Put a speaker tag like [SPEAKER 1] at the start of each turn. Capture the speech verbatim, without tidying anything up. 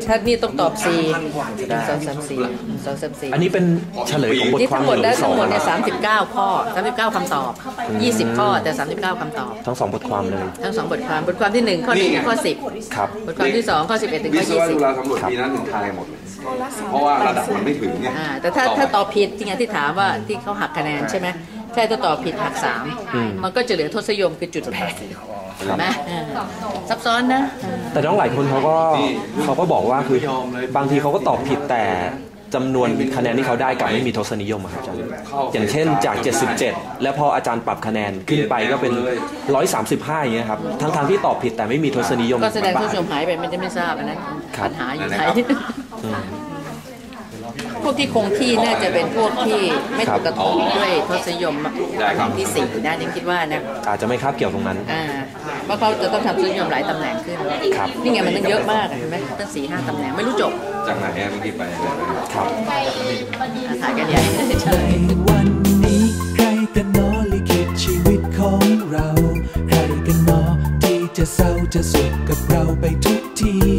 [SPEAKER 1] ถ้านี่ต้องตอบสี่หนึ่งสองสามสี่สองสามสี่
[SPEAKER 2] อันนี้เป็นเฉลยของบทความ
[SPEAKER 1] ทั้งหมดได้ทั้งหมดเนี่ย
[SPEAKER 2] ส
[SPEAKER 1] สามสิบเก้าข้อสามสิบเก้าคำตอบยี่สิบข้อแต่สามสิบเก้าคำตอบ
[SPEAKER 2] ทั้งสองบทความเลย
[SPEAKER 1] ทั้งสองบทความบทความที่หนึ่งข้อหนึ่งข้อสิบ
[SPEAKER 2] ครับ
[SPEAKER 1] บทความที่สองข้อสิบเอ็ดถึงข้อยี่สิบ
[SPEAKER 3] วิศวะจุฬาสำรวจปีนั้นถึงทายหมดเลยเพราะว่าระดับมันไม่ถึงเนี่ย
[SPEAKER 1] แต่ถ้าถ้าตอบผิดจริงๆที่ถามว่าที่เขาหักคะแนนใช่ไหมใช่ถ้าตอบผิดหักสามมันก็จะเหลือทศนิยมคือจุดแปดเห็นไหมซับซ้อนนะ
[SPEAKER 2] แต่น้องหลายคนเขาก็เขาก็บอกว่าคือบางทีเขาก็ตอบผิดแต่จำนวนคะแนนที่เขาได้กลับไม่มีทศนิยมครับอาจารย์อย่างเช่นจากเจ็ดสิบเจ็ดแล้วพออาจารย์ปรับคะแนนขึ้นไปก็เป็นหนึ่งร้อยสามสิบห้าอย่างเงี้ยครับทั้งทางที่ตอบผิดแต่ไม่มีทศนิยม
[SPEAKER 1] ก็แสดงทศนิยมหายไปมันจะไม่ทราบอันนั้นปัญหาอยู่ไหนพวกที่คงที่น่าจะเป็นพวกที่ไม่ถูกกระทบด้วยทศนิยมที่สี่นะยังคิดว่านะ
[SPEAKER 2] อาจจะไม่คาบเกี่ยวตรงนั้น
[SPEAKER 1] อ่าเพราะเขาจะต้องทำทศนิยมหลายตำแหน่งขึ้นนี่ไงมันตั้งเยอะมากเห็นไหมตั้งสี่ห้าตำแหน่งไม่รู้จบ
[SPEAKER 3] จากไหนเมื่อกี้ไป
[SPEAKER 2] ครับ
[SPEAKER 1] ถ่ายกันใหญ่ใช่
[SPEAKER 4] วันนี้ใครกันน้อลิขิตชีวิตของเราใครกันน้อที่จะเศร้าจะสุขกับเราไปทุกที